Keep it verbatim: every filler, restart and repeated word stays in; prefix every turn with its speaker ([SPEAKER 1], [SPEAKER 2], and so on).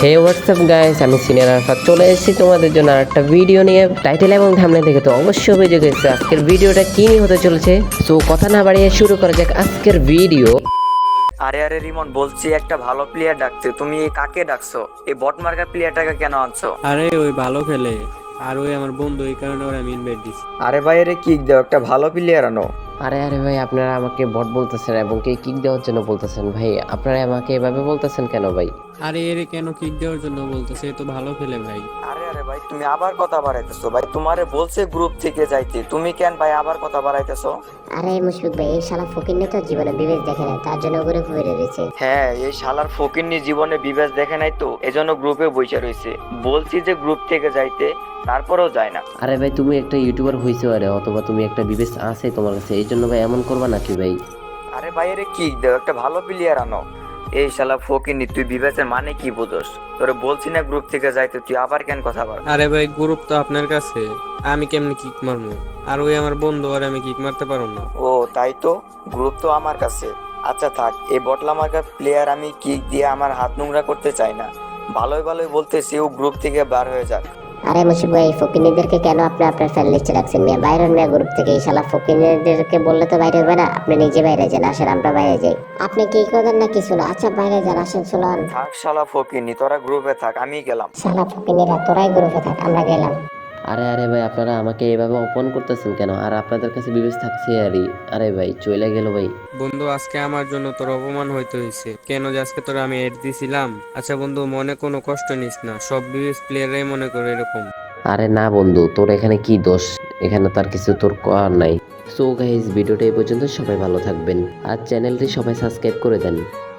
[SPEAKER 1] হে WhatsApp guys, আমি senior Arafat চলে এসেছি তোমাদের জন্য আর একটা ভিডিও নিয়ে। টাইটেল এবং থাম্বনেল দেখে তো অবশ্যই বুঝে গেছে আজকের ভিডিওটা কি নিয়ে হতে চলেছে। সো কথা না বাড়িয়ে শুরু করা যাক আজকের ভিডিও।
[SPEAKER 2] আরে আরে রিমন, বলছি একটা ভালো প্লেয়ার ডাকতে, তুমি কাকে ডাকছো? এই বট মার্কার প্লেয়ারটাকে কেন আনছো?
[SPEAKER 3] আরে ওই ভালো খেলে, আর ওই আমার বন্ধু, এই কারণে ওরা আমি ইনভাইট দিছি।
[SPEAKER 2] আরে ভাই, আরে কিক দাও, একটা ভালো প্লেয়ার আনো।
[SPEAKER 1] আরে আরে ভাই, আপনারা আমাকে বট বলতেছেন এবং কে কিক দেওয়ার জন্য বলতেছেন। ভাই আপনারা আমাকে এভাবে বলতেছেন কেন ভাই?
[SPEAKER 3] আরে এরে কেন কিক দেওয়ার জন্য বলতেছে? এ তো ভালো খেলে ভাই।
[SPEAKER 2] আরে আরে ভাই, তুমি আবার কথা বাড়াইতেছো ভাই। তোমারে বলছে গ্রুপ থেকে যাইতে, তুমি কেন ভাই আবার কথা বাড়াইতেছো?
[SPEAKER 4] আরে মুশফিক ভাই, এই শালা ফকিন্নে তো জীবনে বিবেক দেখে না, তার জন্য করে ঘুরে রয়েছে।
[SPEAKER 2] হ্যাঁ, এই শালার ফকিন্নি জীবনে বিবেচ দেখে নাই তো, এজন্য গ্রুপে বসে রয়েছে। বলছি যে গ্রুপ থেকে যাইতে, তারপরেও যায় না।
[SPEAKER 1] আরে ভাই, তুমি একটা ইউটিউবার হইছো আরে, অথবা তুমি একটা বিবেচ আছে তোমার কাছে, এই জন্য ভাই এমন করবা নাকি ভাই?
[SPEAKER 2] আরে ভাই, আরে কিক দাও, একটা ভালো প্লেয়ার আনো। এই শালা ফকিন্নি, তুই বিবেচের মানে কি বুঝোস? তোরে বলছি না গ্রুপ থেকে যাইতে, তুই আবার কেন কথা বল?
[SPEAKER 3] আরে ভাই, গ্রুপ তো আপনার কাছে, আমি কেমনে কিক মারবো? আর ওই আমার বন্ধু, আর আমি কিক মারতে পারবো না।
[SPEAKER 2] ও তাই তো, গ্রুপ তো আমার কাছে। আচ্ছা থাক, এই বটলা মার্কার প্লেয়ার আমি কিক দিয়ে আমার হাত নোংরা করতে চাই না। ভালোই ভালোই বলতেছি ও গ্রুপ থেকে বার হয়ে যাক।
[SPEAKER 4] আরে মুশফিক ভাই, এই ফকিন্নিদেরকে কেন আপনি আপনার ফ্যান লিস্টে রাখছেন? মিয়া বাইরে মিয়া গ্রুপ থেকে। এই শালা ফকিন্নিদেরকে বললে তো বাইরে হবে না, আপনি নিজে বাইরে যান। আসেন আমরা বাইরে যাই। আপনি কি করেন না কিছু না? আচ্ছা বাইরে যান, আসেন চলুন।
[SPEAKER 2] থাক শালা ফকিনি, তোরা গ্রুপে থাক, আমি গেলাম।
[SPEAKER 4] শালা ফকিন্নিরা, তোরাই গ্রুপে থাক, আমরা গেলাম।
[SPEAKER 1] আরে আরে ভাই, আপনারা আমাকে এভাবে অপমান করতেছেন কেন? আর আপনাদের কাছে বিবেচ থাকছে আরই। আরে ভাই চলে গেল ভাই।
[SPEAKER 3] বন্ধু, আজকে আমার জন্য তোর অপমান হইতে হয়েছে কেন? যে আজকে তোরা আমি এড দিছিলাম। আচ্ছা বন্ধু, মনে কোনো কষ্ট নিস না, সব বিবেচ প্লেয়াররাই মনে করে এরকম।
[SPEAKER 1] আরে না বন্ধু, তোর এখানে কি দোষ? এখানে তার কিছু তোর করার নাই। সো গাইস, ভিডিওটা এই পর্যন্ত। সবাই ভালো থাকবেন আর চ্যানেলটি সবাই সাবস্ক্রাইব করে দেন।